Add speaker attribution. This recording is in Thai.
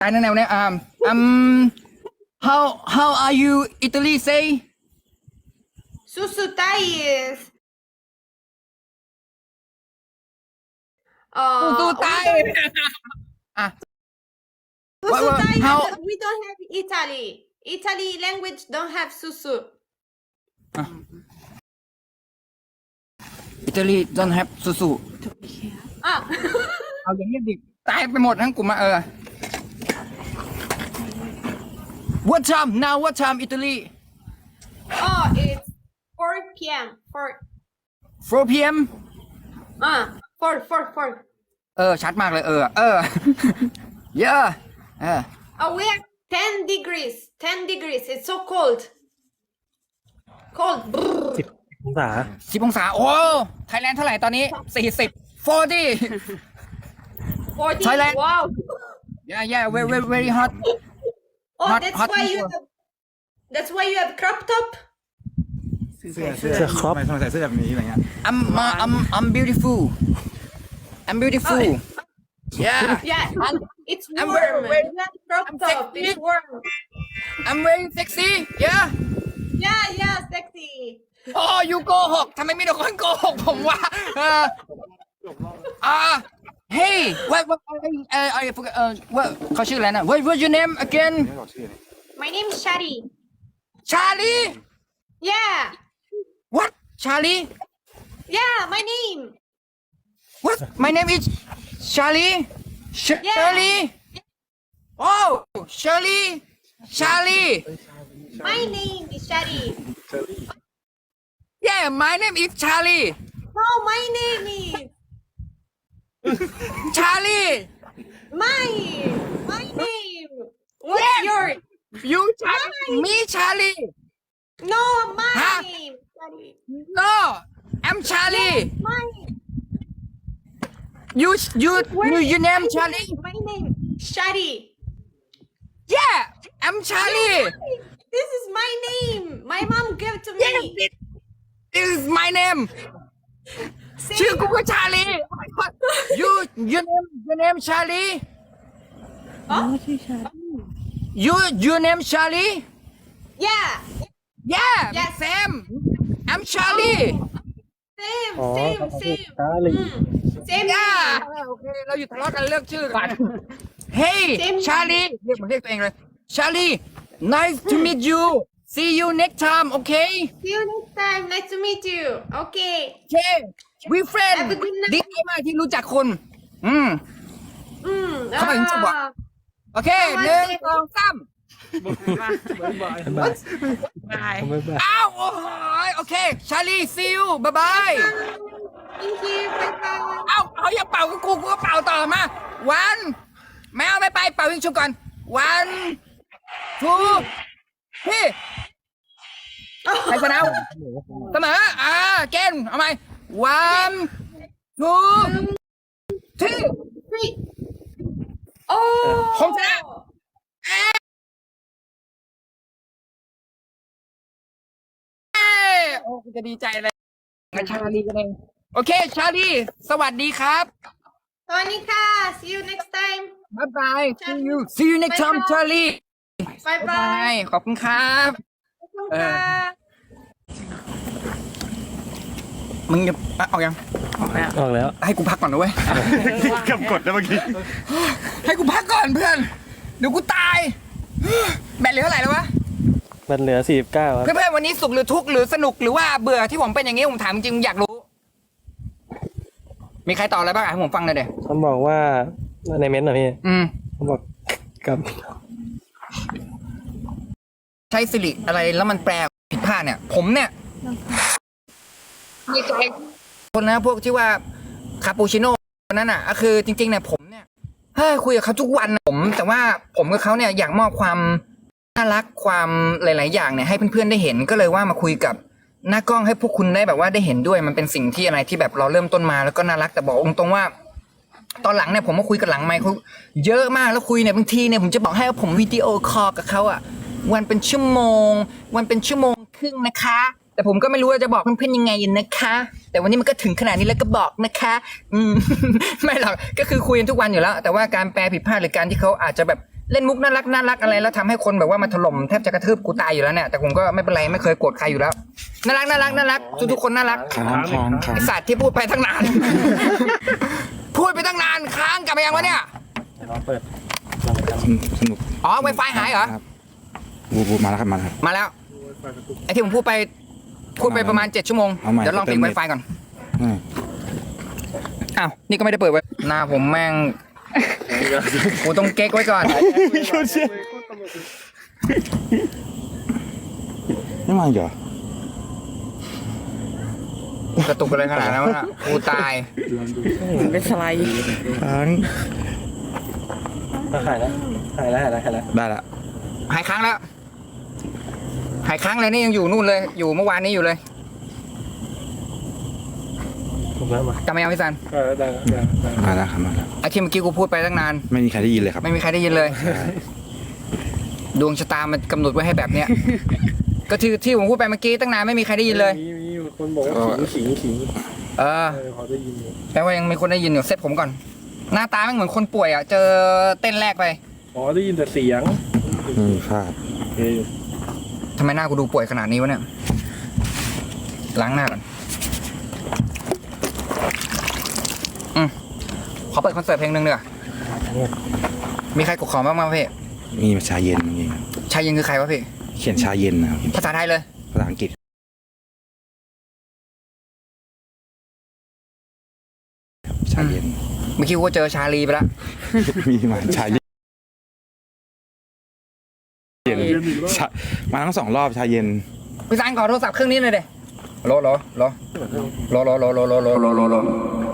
Speaker 1: ตายแนวเนี่ยhow are you Italy say
Speaker 2: Susu Thais.
Speaker 1: สู้ตายอ่ะ
Speaker 2: Susu
Speaker 1: What-
Speaker 2: Thais.
Speaker 1: how-
Speaker 2: We don't have Italy. Italy language don't have susu.
Speaker 1: Italy don't have สุ
Speaker 2: Ah.
Speaker 1: เอาอย่างนี้ดิตายไปหมดทั้งกลุ่มWhat time now what time Italy
Speaker 2: Oh, it's 4 p.m.
Speaker 1: 4 p.m.
Speaker 2: 4.
Speaker 1: ชัดมากเลยyeah
Speaker 2: Oh, we have 10 degrees. 10 degrees. It's so cold. Cold. Brrr.
Speaker 3: องศา
Speaker 1: 10 องศาโอ้ไทยแลนด์เท่าไหร่ตอนนี้ 40 40
Speaker 2: 40.
Speaker 1: Thailand.
Speaker 2: Wow.
Speaker 1: yeah very hot
Speaker 2: Oh,
Speaker 1: Hot-
Speaker 2: that's
Speaker 1: hot
Speaker 2: why you
Speaker 1: people.
Speaker 2: have. That's why you have crop top.
Speaker 3: เสื้อครอป
Speaker 4: ทำไมใส่เสื้อแบบนี้อะไรเงี้ย
Speaker 1: I'm beautiful yeah
Speaker 2: Yeah. It's
Speaker 1: I'm
Speaker 2: warm.
Speaker 1: very-
Speaker 2: You have crop
Speaker 1: I'm
Speaker 2: top.
Speaker 1: sexy.
Speaker 2: It's warm.
Speaker 1: I'm very sexy yeah
Speaker 2: Yeah, sexy.
Speaker 1: โอ้ยูโกหกทำไมมีแต่คนโกหกผมวะhey what I forgot what เขาชื่ออะไรนะ what's your name again
Speaker 4: ไม่บอกชื่อเลย
Speaker 2: My name is Shari.
Speaker 1: Charlie
Speaker 2: Yeah.
Speaker 1: what Charlie
Speaker 2: Yeah, my name.
Speaker 1: what my name is Charlie Shirley oh Charlie
Speaker 2: My name is Shari.
Speaker 1: yeah my name is Charlie
Speaker 2: No, my name is
Speaker 1: Charlie
Speaker 2: my name. What's yours?
Speaker 1: you Charlie me Charlie
Speaker 2: No, my
Speaker 1: Huh?
Speaker 2: name. Shari.
Speaker 1: no I'm Charlie
Speaker 2: Mine.
Speaker 1: you name Charlie
Speaker 2: My name. Shari.
Speaker 1: yeah I'm Charlie
Speaker 2: This is my name. My mom gave it to me.
Speaker 1: yes this is my name
Speaker 2: Say
Speaker 1: ชื่อกูก็ชาลี your name Charlie your name Charlie
Speaker 2: Yeah.
Speaker 1: yeah
Speaker 2: Yes.
Speaker 1: Sam I'm Charlie
Speaker 2: Same,
Speaker 3: อ๋อ
Speaker 2: same,
Speaker 3: เขาพูด
Speaker 2: same.
Speaker 3: ช้าเลย
Speaker 2: Same.
Speaker 1: yeah
Speaker 2: name.
Speaker 1: โอเคเราอยู่ทะเลาะกันเลือกชื่อกัน Hey
Speaker 2: Same.
Speaker 1: Charlie เรียกตัวเองเลย Charlie nice to meet you see you next time okay
Speaker 2: See you next time. Nice to meet you. Okay.
Speaker 1: okay we friend
Speaker 2: Have a good night.
Speaker 1: ดีใจมากที่รู้จักคุณ Come on, come on. โอเค
Speaker 2: Come on,
Speaker 1: หนึ่ง
Speaker 2: Dave.
Speaker 1: สองสาม
Speaker 3: บ๊ายบายบ๊ายบาย
Speaker 1: อ้าวโอ้ยโอเค ชาลีซิลบายบาย
Speaker 2: Thank you. Bye bye.
Speaker 1: เอ้าเขาอย่าเป่ากับกูก็เป่าต่อมาวันไม่เอาไม่ไปเป่ายิงชุบก่อนวันทูพี่ใครชนะเสมอเกณฑ์เอาไหมวันทูที่
Speaker 2: Three. Oh.
Speaker 1: ผมชนะโอ้จะดีใจเลยชาลีกันเองโอเค ชาลีสวัสดีครับ
Speaker 2: Tonika. See you next time.
Speaker 1: บ๊ายบาย see you next time ชาลี
Speaker 2: Bye
Speaker 1: บ๊ายบาย
Speaker 2: bye.
Speaker 1: ขอบคุณครับ มึงจะเอายัง
Speaker 3: ออกแล้ว
Speaker 1: ให้กูพักก่อนนะเว้ย
Speaker 4: กำกดแล้วเมื่อกี้
Speaker 1: ให้กูพักก่อนเพื่อน เดี๋ยวกูตาย แบตเหลือเท่าไหร่แล้ววะ
Speaker 3: มันเหลือ 49 ครับ
Speaker 1: เพื่อนๆวันนี้สุขหรือทุกข์หรือสนุกหรือว่าเบื่อที่ผมเป็นอย่างนี้ผมถามจริงๆอยากรู้ มีใครตอบอะไรบ้างให้ผมฟังหน่อยเดี๋ยว
Speaker 3: เขาบอกว่าในเม้นต์เหรอพี่ เขาบอกกับ
Speaker 1: ใช้สิริอะไรแล้วมันแปลผิดพลาดเนี่ย ผมเนี่ยมีใจคนนะพวกที่ว่าคาปูชิโน่นั่นน่ะก็คือจริงๆเนี่ยผมเนี่ยคุยกับเขาทุกวันนะแต่ว่าผมกับเขาเนี่ยอยากมอบความน่ารักความหลายๆอย่างเนี่ยให้เพื่อนๆได้เห็นก็เลยว่ามาคุยกับหน้ากล้องให้พวกคุณได้แบบว่าได้เห็นด้วยมันเป็นสิ่งที่อะไรที่แบบเราเริ่มต้นมาแล้วก็น่ารักแต่บอกตรงๆว่า ตอนหลังเนี่ยผมมาคุยกับหลังไมค์เขาเยอะมากแล้วคุยเนี่ยบางทีเนี่ยผมจะบอกให้ว่าผมวิดีโอคอลกับเขาอะวันเป็นชั่วโมงครึ่งนะคะ แต่ผมก็ไม่รู้ว่าจะบอกเพื่อนๆยังไงนะคะ แต่วันนี้มันก็ถึงขนาดนี้แล้วก็บอกนะคะ ไม่หรอกก็คือคุยกันทุกวันอยู่แล้ว แต่ว่าการแปลผิดพลาดหรือการที่เขาอาจจะแบบเล่นมุกน่ารักอะไรแล้วทำให้คนแบบว่ามาถล่มแทบจะกระทืบกูตายอยู่แล้วเนี่ยแต่ผมก็ไม่เป็นไรไม่เคยโกรธใครอยู่แล้วน่ารักทุกคนน่ารัก
Speaker 4: ค้าง
Speaker 1: ไอสัตว์ที่พูดไปตั้งนาน พูดไปตั้งนานค้างกลับมายังวะเนี่ย
Speaker 3: ลองเปิด
Speaker 4: สนุก
Speaker 1: อ๋อ Wi-Fi หายเหรอ
Speaker 4: ครับบูมาแล้วครับมาแล้วครับ
Speaker 1: มาแล้วไอที่ผมพูดไปประมาณ7 ชั่วโมง
Speaker 4: เอาใหม่
Speaker 1: เดี๋ยวลองปิด
Speaker 4: เติมเน็ต
Speaker 1: Wi-Fi ก่อน
Speaker 4: อืม
Speaker 1: อ้าวนี่ก็ไม่ได้เปิดไว้หน้าผมแม่งกูต้องเก๊กไว้ก่อน
Speaker 4: ไม่มาอีกเหรอก
Speaker 1: ระตุกอะไรขนาดนั้นวะน่ะกูตาย
Speaker 2: เป็นสไลด์
Speaker 4: ค้าง
Speaker 3: หายแล้ว
Speaker 4: ได้ละ
Speaker 1: หายค้างแล้ว หายค้างเลยนี่ยังอยู่นู่นเลย อยู่เมื่อวานนี้อยู่เลย
Speaker 3: ผมแล้วมาก
Speaker 1: ลับมายังพี่ซัน
Speaker 3: ได้
Speaker 4: มาแล้วครับมาแล้ว
Speaker 1: ไอที่เมื่อกี้กูพูดไปตั้งนาน
Speaker 4: ไม่มีใครได้ยินเลยครับ
Speaker 1: ไม่มีใครได้ยินเลย ดวงชะตามันกำหนดไว้ให้แบบเนี้ย ก็ที่ผมพูดไปเมื่อกี้ตั้งนานไม่มีใครได้ยินเลย
Speaker 3: มีคนบอกว่าขิง
Speaker 1: เออ
Speaker 3: พอได้ยินอยู่
Speaker 1: แปลว่ายังมีคนได้ยินอยู่เซตผมก่อน หน้าตาไม่เหมือนคนป่วยอ่ะ เจอเต้นแรกไป
Speaker 3: อ๋อได้ยินแต่เสียง
Speaker 4: ไม่มีพลาด
Speaker 3: โอเค
Speaker 1: ทำไมหน้ากูดูป่วยขนาดนี้วะเนี่ย ล้างหน้าก่อนขอเปิดคอนเสิร์ตเพลงหนึ่งเนีกว่ยมีใครกดขอบ้างไหมพี่
Speaker 4: มีชาเย็นนี่
Speaker 1: ชายยิงคือใครวะพี่
Speaker 4: เขียนชาเย็นนะครับ
Speaker 1: ภาษาไทยเลย
Speaker 4: ภาษาอังกฤษชาเย็น
Speaker 1: เมื่อกี้กูก็เจอชาลีไปแล้ว
Speaker 4: มีมาชาเย็นชามาทั้ง2 รอบชาเย็น
Speaker 1: พี่ซันขอโทรศัพท์เครื่องนี้หน่อยเด้โล